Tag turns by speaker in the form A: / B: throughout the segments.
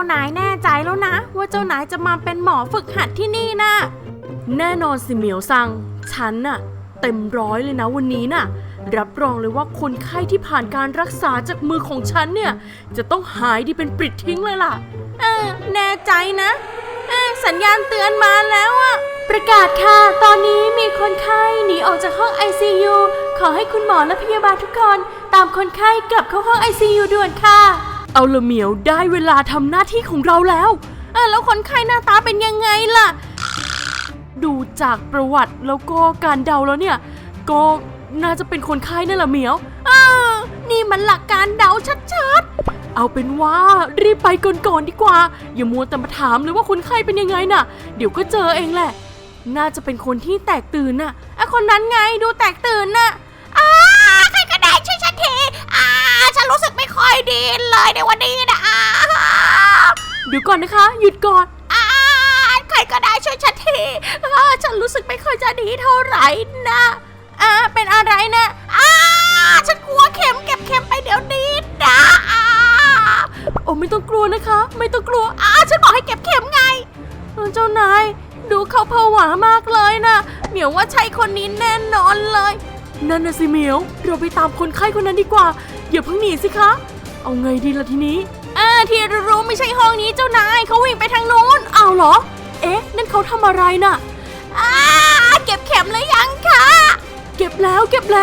A: านายแน่ใจแล้วนะว่าเจ้านายจะมาเป็นหมอฝึกหัดที่นี่นะแน่นอนสิเหมียวซังฉันน่ะเต็มร้อยเลยนะวันนี้น่ะรับรองเลยว่าคนไข้ที่ผ่านการรักษาจากมือของฉันเนี่ยจะต้องหายดีเป็นปลิดทิ้งเลยล่ะแน่ใจนะสัญญาณเตือนมาแล้วอะประกาศค่ะตอนนี้มีคนไข้หนีออกจากห้อง ICU ขอให้คุณหมอและพยาบาลทุกคนตามคนไข้กลับเข้าห้อง ICU ด่วนค่ะเอาละเหมียวได้เวลาทำหน้าที่ของเราแล้วแล้วคนไข้หน้าตาเป็นยังไงล่ะดูจากประวัติแล้วก็การเดาแล้วเนี่ยก็น่าจะเป็นคนไข้นั่นแหละเหมียวนี่มันหลักการเดาชัดๆเอาเป็นว่ารีบไปก่อนดีกว่าอย่ามัวแต่มาถามเลยว่าคนไข้เป็นยังไงน่ะเดี๋ยวก็เจอเองแหละน่าจะเป็นคนที่แตกตื่นน่ะคนนั้นไงดูแตกตื่นน่ะใครก็ได้ช่วยฉันทีฉันรู้สึกไม่ค่อยดีเลยในวันนี้นะเดี๋ยวก่อนนะคะหยุดก่อนใครก็ได้ช่วยฉันทีฉันรู้สึกไม่ค่อยจะดีเท่าไหร่นะเป็นอะไรนะฉันกลัวเข็มเก็บเข็มไปเดี๋ยวนี้นะโอ้ไม่ต้องกลัวนะคะไม่ต้องกลัวฉันบอกให้เก็บเข็มไงเจ้านายดูเขาผวามากเลยนะเหมียวว่าใช่คนนี้แน่นอนเลยนั่นน่ะสิเหมียวเราไปตามคนไข้คนนั้นดีกว่าอย่าเพิ่งหนีสิคะเอาไงดีล่ะทีนี้ที่รู้ไม่ใช่ห้องนี้เจ้านายเขาวิ่งไปทางโน้นเอาเหรอนั่นเขาทำอะไรน่ะเก็บเข็มหรือยังคะเก็บแล้ว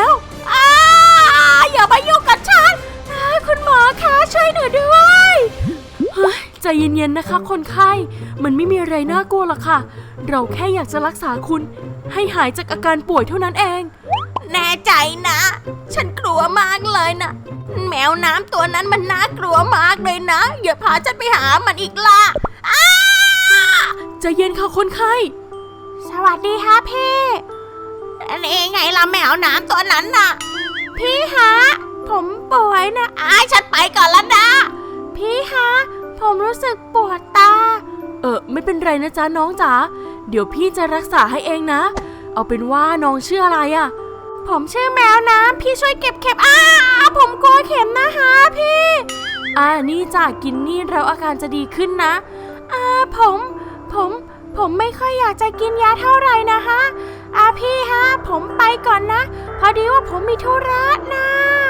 A: อย่ามายุ่งกับฉันคุณหมอคะช่วยหนูด้วยใจเย็นๆนะคะคนไข้มันไม่มีอะไรน่ากลัวหรอกค่ะเราแค่อยากจะรักษาคุณให้หายจากอาการป่วยเท่านั้นเองแน่ใจนะฉันกลัวมากเลยนะแมวน้ำตัวนั้นมันน่ากลัวมากเลยนะอย่าพาฉันไปหามันอีกล่ะใจเย็นค่ะคนไข้สวัสดีค่ะพี่นี่ไงล่ะแมวน้ำตัวนั้นน่ะพี่ฮะผมป่วยนะฉันไปก่อนแล้วนะพี่ฮะผมรู้สึกปวดตาไม่เป็นไรนะจ๊ะน้องจ๋าเดี๋ยวพี่จะรักษาให้เองนะเอาเป็นว่าน้องชื่ออะไรอะผมชื่อแมวน้ำพี่ช่วยเก็บเข็มผมกลัวเข็มนะคะพี่นี่จ้ะกินนี่แล้วอาการจะดีขึ้นนะผมไม่ค่อยอยากจะกินยาเท่าไหร่นะคะพี่ฮะผมไปก่อนนะพอดีว่าผมมีธุระนะ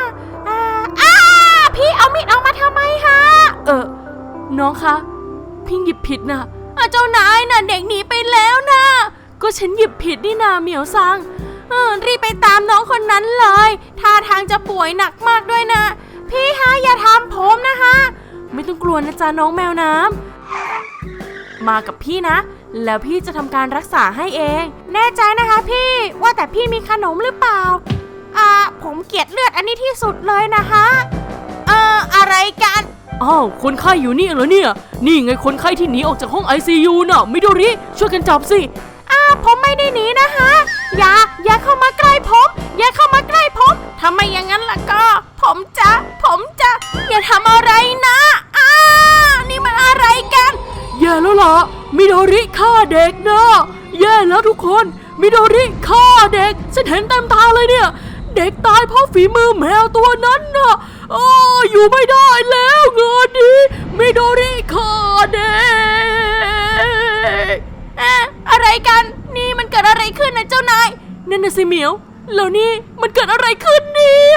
A: พี่เอามีดออกมาทำไมฮะน้องคะพี่หยิบผิดนะเจ้านายน่ะเด็กหนีไปแล้วนะก็ฉันหยิบผิดนี่นาเหมียวซังรีบไปตามน้องคนนั้นเลยท่าทางจะป่วยหนักมากด้วยนะพี่ฮะอย่าทำผมนะคะไม่ต้องกลัวนะจ๊ะน้องแมวน้ำมากับพี่นะแล้วพี่จะทำการรักษาให้เองแน่ใจนะคะพี่ว่าแต่พี่มีขนมหรือเปล่าผมเกลียดเลือดอันนี้ที่สุดเลยนะคะอะไรกันคนไข้อยู่นี่เหรอเนี่ยนี่ไงคนไข้ที่หนีออกจากห้อง ICU น่ะมิโดริช่วยกันจับสิผมไม่ได้หนีนะคะอย่าเข้ามาใกล้ผมอย่าเข้ามาใกล้ผมทำไมอย่างนั้นล่ะก็ผมจะอย่าทำอะไรนะนี่มันอะไรกันแย่แล้วล่ะมิโดริฆ่าเด็กนะแย่แล้วทุกคนมิโดริฆ่าเด็กฉันเห็นเต็มตาเลยเนี่ยเด็กตายเพราะฝีมือแมวตัวนั้นนะอยู่ไม่ได้แล้วงานนี้มิโดริฆ่าเด็กอะไรกันนี่มันเกิดอะไรขึ้นนะเจ้านายนั่นน่ะสิเหมียวแล้วนี่มันเกิดอะไรขึ้นเนี่ย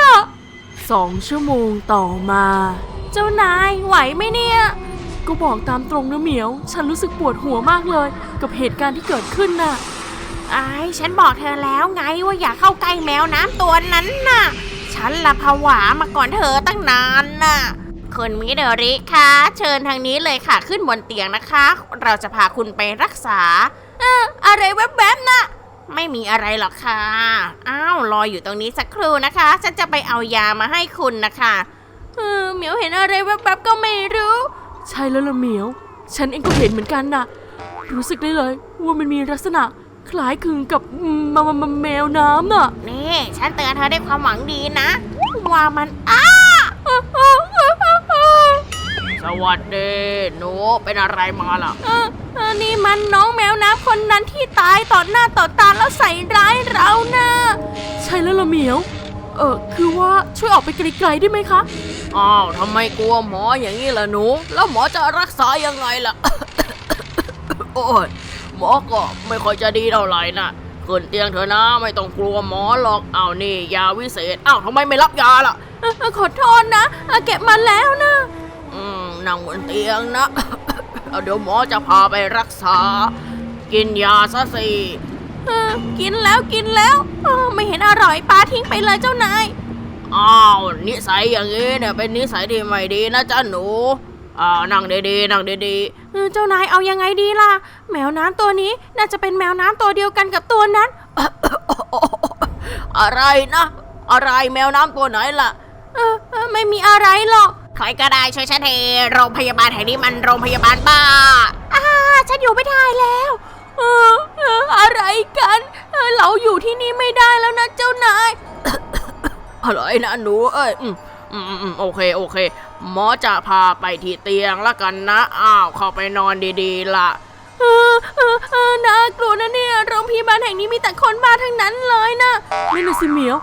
A: 2 ชั่วโมงต่อมาเจ้านายไหวไหมเนี่ยก็บอกตามตรงนะเหมียวฉันรู้สึกปวดหัวมากเลยกับเหตุการณ์ที่เกิดขึ้นน่ะฉันบอกเธอแล้วไงว่าอย่าเข้าใกล้แมวน้ำตัวนั้นน่ะฉันละผวามาก่อนเธอตั้งนานน่ะคุณมิโดริคะเชิญทางนี้เลยค่ะขึ้นบนเตียงนะคะเราจะพาคุณไปรักษาอะไรแวบๆน่ะไม่มีอะไรหรอกค่ะรออยู่ตรงนี้สักครู่นะคะฉันจะไปเอายามาให้คุณนะคะเหมียวเห็นอะไรแวบๆก็ไม่รู้ใช่แล้วล่ะเหมียวฉันเองก็เห็นเหมือนกันน่ะรู้สึกได้เลยว่ามันมีลักษณะคล้ายคลึงกับแมวน้ำน่ะนี่ฉันเตือนเธอด้วยความหวังดีนะว่ามันสวัสดีหนูเป็นอะไรมาล่ะนี่มันน้องแมวน้ำคนนั้นที่ตายต่อหน้าต่อตาแล้วใส่ร้ายเรานะใช่แล้วล่ะเหมียวคือว่าช่วยออกไปไกลๆได้ไหมคะอ้าวทำไมกลัวหมออย่างนี้ล่ะหนูแล้วหมอจะรักษายังไงล่ะ โอ้ยหมอก็ไม่ค่อยจะดีเท่าไหร่นะขึ้นเตียงเถอะนะไม่ต้องกลัวหมอหรอกอ้าวนี่ยาวิเศษอ้าวทำไมไม่รับยาล่ะขอโทษนะเก็บมาแล้วนะนั่งบนเตียงนะ เดี๋ยวหมอจะพาไปรักษากินยาซะสิกินแล้วไม่เห็นอร่อยปาทิ้งไปเลยเจ้านายอ้าวนิสัยอย่างนี้เนี่ยเป็นนิสัยที่ไม่ดีนะจ๊ะหนูนั่งดีๆนั่งดีๆเจ้านายเอายังไงดีล่ะแมวน้ำตัวนี้น่าจะเป็นแมวน้ำตัวเดียวกันกับตัวนั้น อะไรนะอะไรแมวน้ำตัวไหนล่ะไม่มีอะไรหรอกใครก็ได้ช่วยฉันทีโรงพยาบาลแห่งนี้มันโรงพยาบาลบ้าฉันอยู่ไม่ได้แล้วอะไรกันเราอยู่ที่นี่ไม่ได้แล้วนะเจ้านาย อะไรนะหนูเอ้ยโอเคหมอจะพาไปที่เตียงละกันนะอ้าวเข้าไปนอนดีๆล่ะน่ากลัวนะเนี่ยโรงพยาบาลแห่งนี้มีแต่คนบ้าทั้งนั้นเลยนะนี่นะสิเหมียว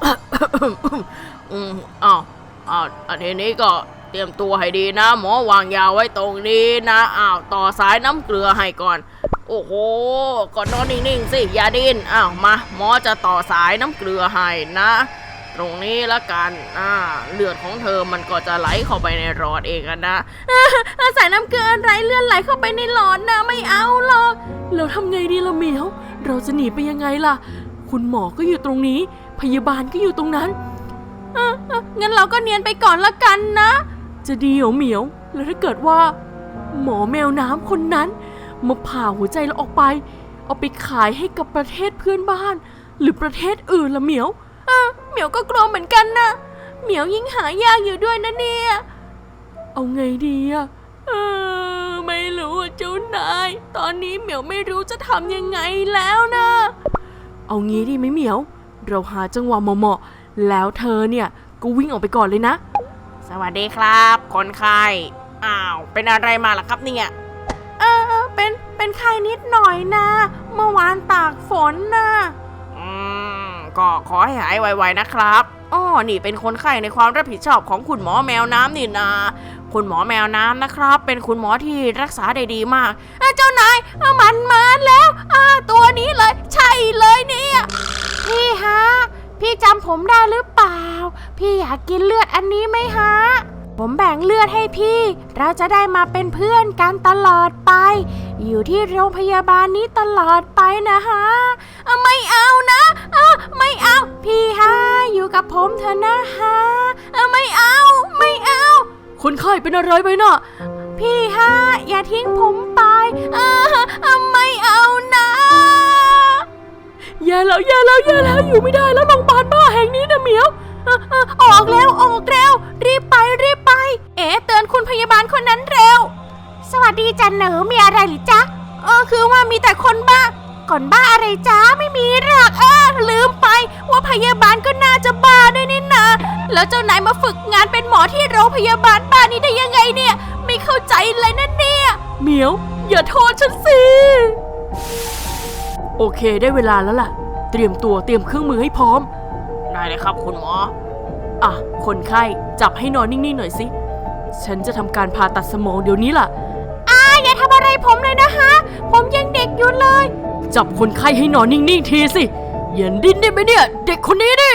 A: อ้าวทีนี้ก็เตรียมตัวให้ดีนะหมอวางยาไว้ตรงนี้นะอ้าวต่อสายน้ำเกลือให้ก่อนโอ้โหก่อนนอนนิ่งๆสิอย่าดิ้นอ้าวมาหมอจะต่อสายน้ำเกลือให้นะตรงนี้ละกันเลือดของเธอมันก็จะไหลเข้าไปในหลอดเองนะสายน้ำเกลือไรเลือดไหลเข้าไปในหลอดนะไม่เอาหรอกเราทำไงดีล่ะเหมียวเราจะหนีไปยังไงล่ะคุณหมอก็อยู่ตรงนี้พยาบาลก็อยู่ตรงนั้นงั้นเราก็เนียนไปก่อนละกันนะจะดีเหมียวแล้วถ้าเกิดว่าหมอแมวน้ำคนนั้นมาผ่าหัวใจเราออกไปเอาไปขายให้กับประเทศเพื่อนบ้านหรือประเทศอื่นละเหมียวเหมียวก็กลัวเหมือนกันนะเหมียวยิ่งหายากอยู่ด้วยนะเนี่ยเอาไงดีอะไม่รู้เจ้านายตอนนี้เหมียวไม่รู้จะทำยังไงแล้วนะเอางี้ดีไหมเหมียวเราหาจังหวะเหมาะๆแล้วเธอเนี่ยก็วิ่งออกไปก่อนเลยนะสวัสดีครับคนไข้อ้าวเป็นอะไรมาล่ะครับเนี่ยเป็นไข้นิดหน่อยนะเมื่อวานตากฝนนะก็ขอให้หายไวๆนะครับนี่เป็นคนไข้ในความรับผิดชอบของคุณหมอแมวน้ำนี่นะคุณหมอแมวน้ำนะครับเป็นคุณหมอที่รักษาได้ดีมากเจ้านายมันมาแล้วตัวนี้เลยใช่เลยเนี่ยพี่ฮะพี่จำผมได้หรือเปล่าพี่อยากกินเลือดอันนี้ไหมฮะผมแบ่งเลือดให้พี่เราจะได้มาเป็นเพื่อนกันตลอดไปอยู่ที่โรงพยาบาลนี้ตลอดไปนะฮะไม่เอานะไม่เอาพี่ฮะอยู่กับผมเถอะนะฮะไม่เอาคนไข้เป็นอะไรไปน่ะพี่ฮะอย่าทิ้งผมไปไม่เอานะอย่าแล้วอยู่ไม่ได้แล้วโรงพยาบาลบ้าแห่งนี้นะเหมียวออกเร็วรีบไปเตือนคุณพยาบาลคนนั้นเร็วสวัสดีจันหนูมีอะไรหรือจ๊ะคือว่ามีแต่คนบ้าก่อนบ้าอะไรจ๊ะไม่มีหรอกลืมไปว่าพยาบาลก็น่าจะบ้าด้วยนี่นะแล้วเจ้านายมาฝึกงานเป็นหมอที่โรงพยาบาลบ้านี้ได้ยังไงเนี่ยไม่เข้าใจเลยนะเนี่ยเหมียวอย่าโทษฉันสิโอเคได้เวลาแล้วล่ะเตรียมเครื่องมือให้พร้อมได้เลยครับคุณหมอคนไข้จับให้นอนนิ่งๆหน่อยสิฉันจะทำการผ่าตัดสมองเดี๋ยวนี้ล่ะอย่าทำอะไรผมเลยนะคะผมยังเด็กอยู่เลยจับคนไข้ให้นอนนิ่งๆทีสิอย่าดิ้นได้ไหมเนี่ยเด็กคนนี้ดิ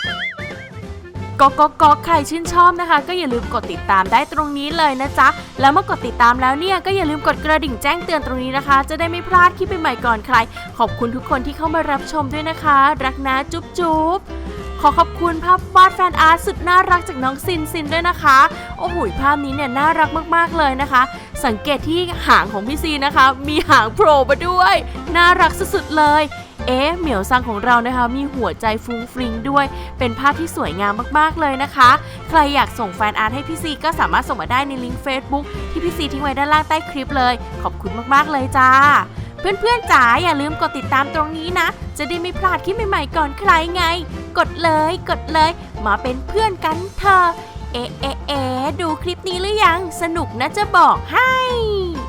A: ก็ใครชื่นชอบนะคะก็อย่าลืมกดติดตามได้ตรงนี้เลยนะจ๊ะแล้วเมื่อกดติดตามแล้วเนี่ยก็อย่าลืมกดกระดิ่งแจ้งเตือนตรงนี้นะคะจะได้ไม่พลาดคลิปใหม่ๆก่อนใครขอบคุณทุกคนที่เข้ามารับชมด้วยนะคะรักนะจุ๊บขอขอบคุณภาพวาดแฟนอาร์ตสุดน่ารักจากน้องซินด้วยนะคะโอ้โหภาพนี้เนี่ยน่ารักมากๆเลยนะคะสังเกตที่หางของพี่ซีนะคะมีหางโผล่มาด้วยน่ารักสุดๆเลยเหมียวซังของเรานะคะมีหัวใจฟุ้งฟริ้งด้วยเป็นภาพที่สวยงามมากๆเลยนะคะใครอยากส่งแฟนอาร์ตให้พี่ซีก็สามารถส่งมาได้ในลิงก์ Facebook ที่พี่ซีทิ้งไว้ด้านล่างใต้คลิปเลยขอบคุณมากๆเลยจ้าเพื่อนๆจ๋าอย่าลืมกดติดตามตรงนี้นะจะได้ไม่พลาดคลิปใหม่ๆก่อนใครไงกดเลยมาเป็นเพื่อนกันเถอะดูคลิปนี้หรือยังสนุกนะจะบอกให้